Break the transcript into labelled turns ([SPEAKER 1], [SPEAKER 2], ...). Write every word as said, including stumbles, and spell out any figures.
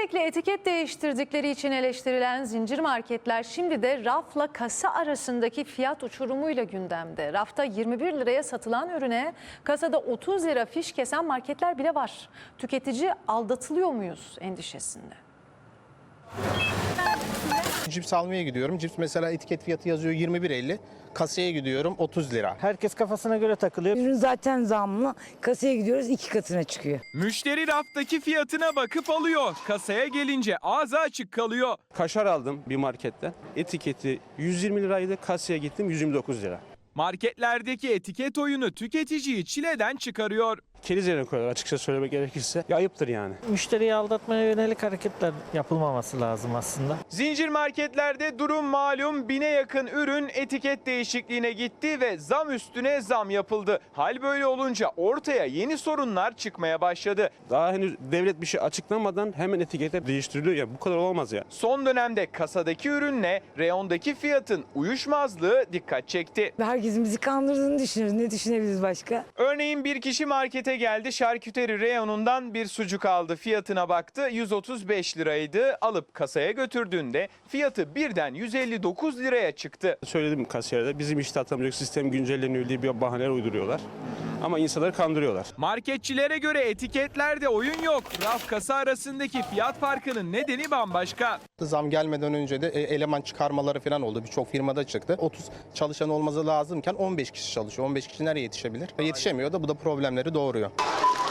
[SPEAKER 1] Sürekli etiket değiştirdikleri için eleştirilen zincir marketler şimdi de rafla kasa arasındaki fiyat uçurumuyla gündemde. Rafta yirmi bir liraya satılan ürüne kasada otuz lira fiş kesen marketler bile var. Tüketici aldatılıyor muyuz endişesinde?
[SPEAKER 2] Cips almaya gidiyorum. Cips mesela etiket fiyatı yazıyor yirmi bir elli. Kasaya gidiyorum otuz lira.
[SPEAKER 3] Herkes kafasına göre takılıyor.
[SPEAKER 4] Ürün zaten zamlı. Kasaya gidiyoruz iki katına çıkıyor.
[SPEAKER 5] Müşteri raftaki fiyatına bakıp alıyor. Kasaya gelince ağzı açık kalıyor.
[SPEAKER 6] Kaşar aldım bir marketten. Etiketi yüz yirmi liraydı. Kasaya gittim yüz yirmi dokuz lira.
[SPEAKER 5] Marketlerdeki etiket oyunu tüketiciyi çileden çıkarıyor.
[SPEAKER 6] Keriz yerine koyuyorlar açıkça söylemek gerekirse. Ya ayıptır yani.
[SPEAKER 3] Müşteriyi aldatmaya yönelik hareketler yapılmaması lazım aslında.
[SPEAKER 5] Zincir marketlerde durum malum, bine yakın ürün etiket değişikliğine gitti ve zam üstüne zam yapıldı. Hal böyle olunca ortaya yeni sorunlar çıkmaya başladı.
[SPEAKER 6] Daha henüz devlet bir şey açıklamadan hemen etiketler değiştiriliyor. Ya bu kadar olamaz ya.
[SPEAKER 5] Son dönemde kasadaki ürünle reyondaki fiyatın uyuşmazlığı dikkat çekti.
[SPEAKER 4] Herkesin bizi kandırdığını düşünüyoruz. Ne düşünebiliriz başka?
[SPEAKER 5] Örneğin bir kişi markete geldi, şarküteri reyonundan bir sucuk aldı, fiyatına baktı, yüz otuz beş liraydı. Alıp kasaya götürdüğünde fiyatı birden yüz elli dokuz liraya çıktı.
[SPEAKER 6] Söyledim kasiyerde bizim işte atamayacak sistem güncelleniyor diye bir bahaneler uyduruyorlar. Ama insanları kandırıyorlar.
[SPEAKER 5] Marketçilere göre etiketlerde oyun yok. Raf kasa arasındaki fiyat farkının nedeni bambaşka.
[SPEAKER 2] Zam gelmeden önce de eleman çıkarmaları falan oldu. Birçok firmada çıktı. otuz çalışan olması lazımken on beş kişi çalışıyor. on beş kişi nereye yetişebilir? Yetişemiyor da bu da problemleri doğuruyor.